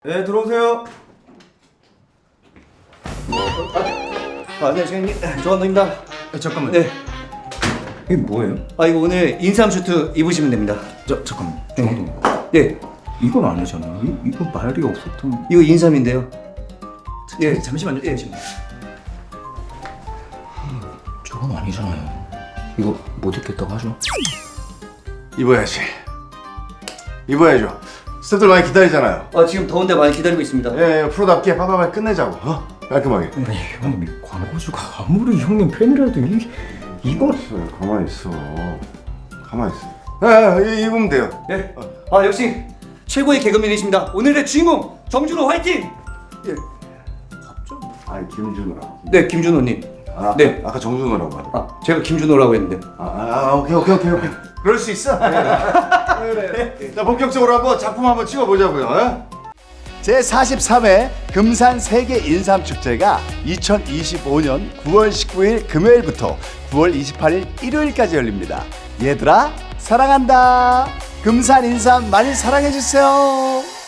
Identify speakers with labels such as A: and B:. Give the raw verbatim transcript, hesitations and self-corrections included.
A: 네, 들어오세요. 아, 네, 선생님. 조한동입니다.
B: 아, 잠깐만.
A: 네.
B: 이게 뭐예요?
A: 아, 이거 오늘 인삼 슈트 입으시면 됩니다.
B: 저 잠깐만. 조한동.
A: 네.
B: 이건 아니잖아. 이, 이거 말이 없었던.
A: 이거 인삼인데요.
B: 예, 잠시만요. 잠시만. 저건 아니잖아요. 이거 못 입겠다고 하죠?
C: 입어야지. 입어야죠. 스태프들 많이 기다리잖아요.
A: 아, 지금 더운데 많이 기다리고 있습니다.
C: 예, 예 프로답게 빠바바 끝내자고. 어? 깔끔하게.
B: 아니 형님, 이 광고주가 아무리 형님 팬이라도 이 이거
C: 있어, 가만히 있어. 가만히 있어. 예, 예, 입으면 돼요.
A: 네. 아, 역시 최고의 개그맨이십니다. 오늘의 주인공 정준호 화이팅! 예.
C: 아니 김준호라고.
A: 네, 김준호님.
C: 아,
A: 네.
C: 아까 정준호라고 하더라.
A: 아, 제가 김준호라고 했는데.
C: 아, 아, 아, 오케이, 오케이, 오케이, 오케이. 그럴 수 있어. 그래, 그래. 자, 본격적으로 한번 작품 한번 찍어보자고요. 어?
D: 제사십삼 회 금산 세계 인삼 축제가 이천이십오 년 구월 십구일 금요일부터 구월 이십팔일 일요일까지 열립니다. 얘들아 사랑한다. 금산 인삼 많이 사랑해 주세요.